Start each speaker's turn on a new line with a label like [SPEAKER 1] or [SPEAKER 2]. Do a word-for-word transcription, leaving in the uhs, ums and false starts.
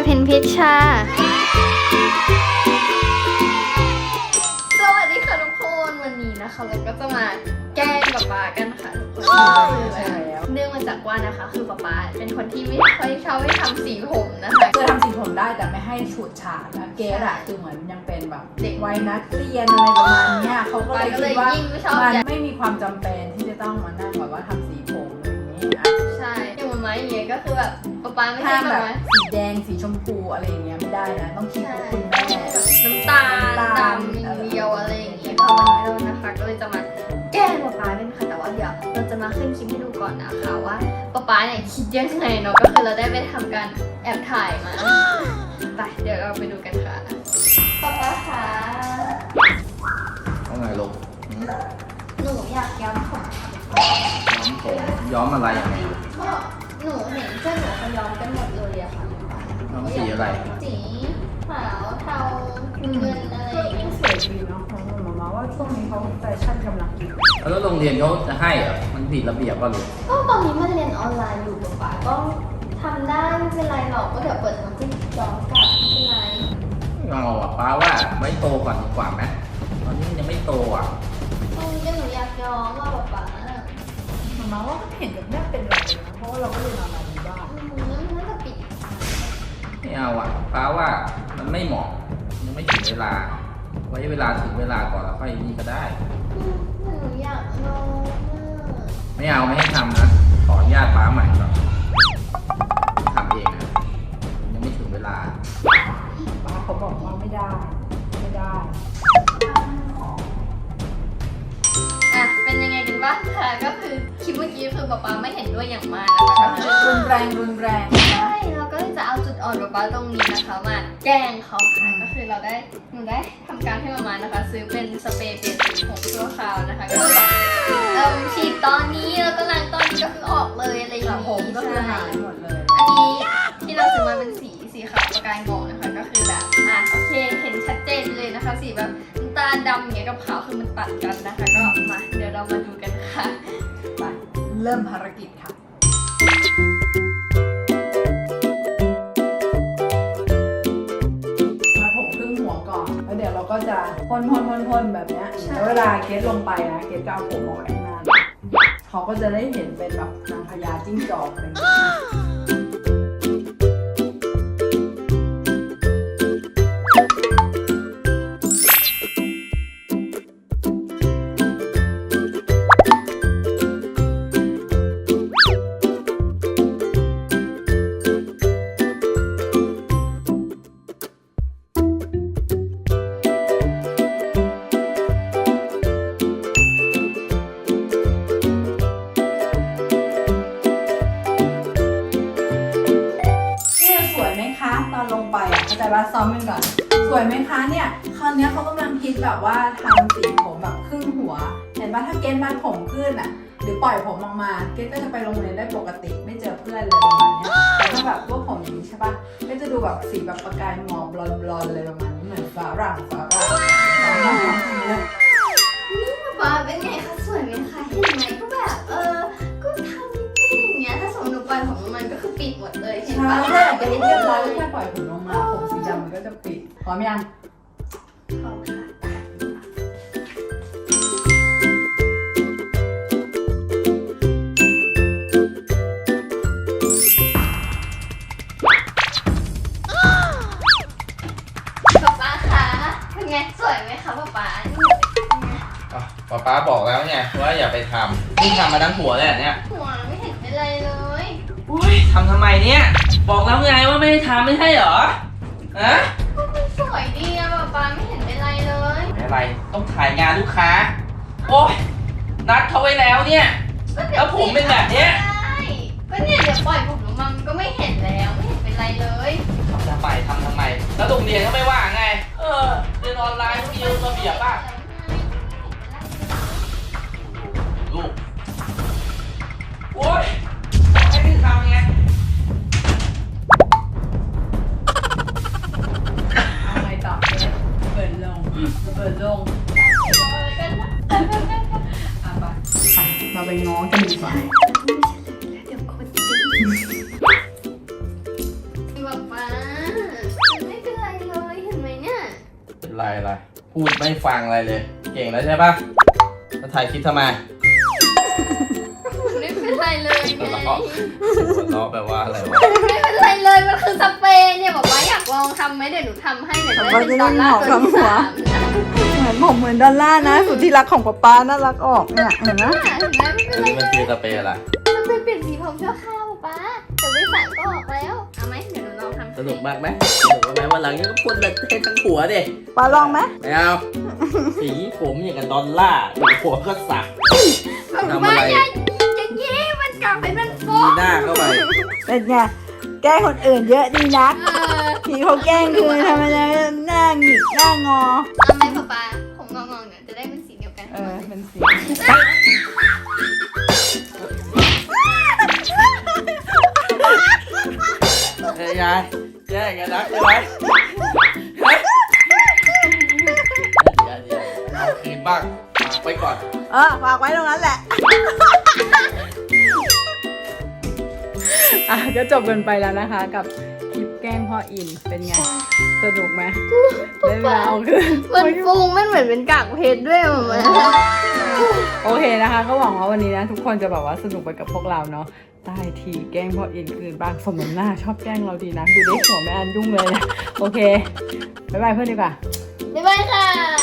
[SPEAKER 1] เพนพิชชาสวัสดีค่ะทุกคนวันนี้นะคะเราก็จะมาแกล้งป๊าป๊ากันค่ะทุกคนใช่แล้วเนื่องมาจากว่านะคะคือป๊าป๊าเป็นคนที่ไม่ค่อยชอบให้ทำสีผมนะคะ
[SPEAKER 2] จะทำสีผมได้แต่ไม่ให้ฉูดฉาดนะเกสอะคือเหมือนยังเป็นแบบเด็กวัยนักเรียนอะไรประมาณนี้เขาก็เลยคิดว่ามันไม่มีความจำเป็นที่จะต้องมานั่งแบบว่าทำสีผมอะไรอย่างนี้นะ
[SPEAKER 1] ใช่อย่างมันไม้อย่างเงี้ยก็คือแบบป๊าป๊าไม่ใช่แบบ
[SPEAKER 2] สีแดงสีชมพูอะไรอย่างเงี้ยไม่ได้นะต้องคิดกับคุณแม่
[SPEAKER 1] น้ำตาลดำอย่างเดียวอะไรอย่างเงี้ยค่ะวันนี้เรานะคะก็เลยจะมาแกล้งป๊าป๊ากันค่ะแต่ว่าเดี๋ยวเราจะมาขึ้นคลิปให้ดูก่อนนะคะว่าป๊าป๊าเนี่ยคิดยังไงเนาะก็คือเราได้ไปทำการแอบถ่ายมาไปเดี๋ยวเราไปดูกันค่ะป๊าป๊าคะ
[SPEAKER 3] ว่าไงลูก
[SPEAKER 1] หนูอยากย้อมผม
[SPEAKER 3] ย้อมผมย้อมอะไรยังไง
[SPEAKER 1] ก็หนูเห็นเพื่อนหนูเขาย้อมกันหมดเลยอะค่ะ
[SPEAKER 3] ย้อมสีอะไร
[SPEAKER 1] สีขาวเทาเงินอะไรอย่างเงี้ย
[SPEAKER 2] สวยดีเนาะของหนูมาว่าช่วงนี้เขาแฟชั่นกำลังดี
[SPEAKER 3] แล้วโรงเรียนเขาจะให้เหรอมันผิดระเบียบป่ะลูก
[SPEAKER 1] ก็ตอนนี้มันเรียนออนไลน์อยู่ป๊าป๊าก็ทำได้ไม่เป็นไรหรอกก็เดี๋ยวเปิดมันจะย้อนกลับไม่เป็นไร
[SPEAKER 3] เอาอ่ะป้าว่าไว้โตก่อนดีกว่าไหมตอนนี้ยังไม่โตอ่ะ
[SPEAKER 1] ตอนนี้หนูอยากย้อมว่าป๊าป๊า
[SPEAKER 2] มามาว่าเห็นแบบนี้เป็นไรนะเพราะว่าเราก็เรียนออนไลน์อยู่บ้าน
[SPEAKER 1] มันน่าจะปิด
[SPEAKER 3] ไม่เอาอ่ะป้าว่ามันไม่เหมาะยังไม่ถึงเวลาไว้เวลาถึงเวลาก่อนแล้วค่อยนี่ก็ได้
[SPEAKER 1] หนูอยากลอง
[SPEAKER 3] ไม่เอาไม่ให้ทำนะขออนุญาตป้าใหม่ก่อนทำเองนะยังไม่ถึงเวลา
[SPEAKER 2] ป้าเขาบอกว่าไม่ได้ไม่ได้
[SPEAKER 1] อ่ะเป็นยังไงกันบ้างคะก็คือคลิปเมื่อกี้คือป๊าป๊าไม่เห็นด้วยอย่างมากนะคะ
[SPEAKER 2] รุนแรงรุนแรง
[SPEAKER 1] ใช่เราก็จะเอาจุดอ่อนป๊าป๊าตรงนี้นะคะมาแกล้งเขาค่ะก็คือเราได้หนูได้ทำการให้มามานะคะซื้อเป็นสเปรย์เปลี่ยนสีผมชั่วคราวนะคะก็คือแบบเอ่อฉีดตอนนี้แล้วก็ล้างตอนนี้ก็คือออกเลยอะไรอย่างนี้
[SPEAKER 2] ผมก็คือหายหมดเลย
[SPEAKER 1] อันนี้ที่เราซื้อมาเป็นสีสีขาวประกายหมอกนะคะก็คือแบบอ่ะโอเคเห็นชัดเจนเลยนะคะสีแบบน้ำตาลดำอย่างเงี้ยกับขาวคือมันตัดกันนะคะก็มาเดี๋ยวเรามาดูกันค่ะ
[SPEAKER 2] ไปเริ่มภารกิจค่ะมาผมครึ่งหัวก่อนแล้วเดี๋ยวเราก็จะพ่นพ่นพ่นพ่นแบบนี้แล้วเวลาเกสลงไปนะเกสก็เอาผมออกข้างหน้าเขาก็จะได้เห็นเป็นแบบนางพญาจิ้งจอกอะไรอย่างเงี้ยตอนลงไปอ่ะเข้าใจว่าซ้อมกันก่อนสวยไหมคะเนี่ยคราวนี้เขากำลังคิดแบบว่าทำสีผมแบบครึ่งหัวเห็นว่าถ้าเกณฑ์มาผมขึ้นอ่ะหรือปล่อยผมออกมาเกณฑ์ก็จะไปโรงเรียนได้ปกติไม่เจอเพื่อนเลยประมาณนี้แต่ถ้าแบบพวกผมอย่างนี้ใช่ปะก็จะดูแบบสีแบบประกายหมอกบลอนๆเลยประมาณนี้เหมือนฝรั่งฝรั่ง
[SPEAKER 1] นี่ป๊าเป็นไงคะสวยไหมคะเห็นไหมก็แบบเออก็ทำนิดนึงอย่างเงี้ยถ้าสมมติหนูปล่อยผมมันก็คือปิดหมดเลยเห็นปะ
[SPEAKER 2] ใช่แต่เรียบร้อยแค่ปล่อยผมลงมาผมสีดำมันก็จะปิดพร้อมยัง
[SPEAKER 1] พร้อมค่ะป๊าป๊าคะเป็นไงสวยไหมคะป๊าป๊า
[SPEAKER 3] ป๊าป๊าบอกแล้วไงว่าอย่าไปทำนี่ทำมาทั้งหัวเลยเนี่ย
[SPEAKER 1] หัวไม่เห็นเป็นไรเลย
[SPEAKER 3] อุ้ยทำทำไมเนี่ยบอกแล้วไงว่าไม่ได้ทำไม่ใช่เหรอฮะ
[SPEAKER 1] ก็มันสวยดีอะป๊าป๊าไม่เห็นเป็นไรเลย
[SPEAKER 3] ไม่อะไรต้องถ่ายงานลูกค้าโอ๊ยนัดเขาไว้แล้วเนี่ยแล้วผมเป็นแบบเนี้ย
[SPEAKER 1] ก็เนี่ยเดี๋ยวปล่อยผมลงมามันก็ไม่เห็นแล้วไม่เห็นเป็นไรเลย
[SPEAKER 3] ทำทำไมทำทำไมแล้วโรงเรียนก็ไม่ว่าไงเออเรียนออนไลน์ต้องมีระเบียบป่ะลูกโอ๊ยให้พี่ทำไง
[SPEAKER 2] เอาไงต่อเปิดลงเปิดลงอ่ะไปไปเราไปง้อกันดีกว่า
[SPEAKER 1] เดี๋ยวคนจริงป๊าป๊า
[SPEAKER 3] พูดไม่ฟังอะไรเลย เก่งแล้วใช่ปะมาถ่ายคลิปทำไม
[SPEAKER 1] ไม่เป็นไรเลยไง
[SPEAKER 3] หัวเราะหัวเราะแปลว่าอะไรวะ
[SPEAKER 1] ไม่เป็นไรเลยมันคือสเปรย์เนี่ยบอกว่าอยากลองทำไหมเดี๋ยวหนูทำให้เดี๋ยวจะได้เป็นดอลลาร์ตัวที่สามนะ
[SPEAKER 2] เหมือนผมเหมือนดอลลาร์นะสุดที่รักของป๊าป๊าน่ารักออกเนี่ยเห็นไหม
[SPEAKER 1] เห็นไหมไม่เป็นไร
[SPEAKER 3] อันนี้มันคือสเปรย์อะไร
[SPEAKER 1] มันเป็นเปลี่ยนสีผมชั่วคราวป๊าแต่ไม่ใส่ก็ออกแล้วเอาไหมเดี๋ยวหนูลองทำ
[SPEAKER 3] สนุกมากไหมสนุกไหมวันหลังนี้ก็พ่นเลยให้ทั้งหัวดิ
[SPEAKER 2] ป๊าลองไหม
[SPEAKER 3] ไม่เอา สีผมอย่างกับดอลลาร์หัวก็สัก ทำ
[SPEAKER 1] ป๊า
[SPEAKER 3] อะไร
[SPEAKER 1] อย่าอย่าเย้มันกลับไปมันโป๊
[SPEAKER 3] มี
[SPEAKER 1] ะ
[SPEAKER 3] หน้าเข้าไป
[SPEAKER 2] เป็นไงแกล้งคนอื่นเยอะดีนัก
[SPEAKER 1] เออ
[SPEAKER 2] ทีเขาแกล้งคือทำไมหน้าหงิกหน้างอ
[SPEAKER 1] เอาไหมป๊าป๊าผมงองๆเนี่ยจะได้เป็นสีเดียวกัน
[SPEAKER 2] เออเป็นสี
[SPEAKER 3] เฮ้ยยายแย่งกันนักใช่ไหมเฮ้ยเดี๋ยวเดี๋ยวเอาคืนบ้างฝากไว้ก่อน
[SPEAKER 2] เออฝากไว้ตรงนั้นแหละ อ่ะก็จบกันไปแล้วนะคะ กับคลิปแกล้งพ่ออินเป็นไงสนุกไหมได้เวลาเอาคืน
[SPEAKER 1] มันฟูงมันเหมือนเป็นกากเพชรด้วยเหมือน
[SPEAKER 2] โอเคนะคะ ก็หวังว่าวันนี้นะทุกคนจะแบบว่าสนุกไปกับพวกเราเนาะได้ทีแกล้งพ่ออินคืนบ้างสมน้ำหน้าชอบแกล้งเราดีนะดูได้หัวแม่อันยุ่งเลยนะโอเคบ๊ายบายเพื่อนดีกว่า
[SPEAKER 1] บ๊ายบายค่ะ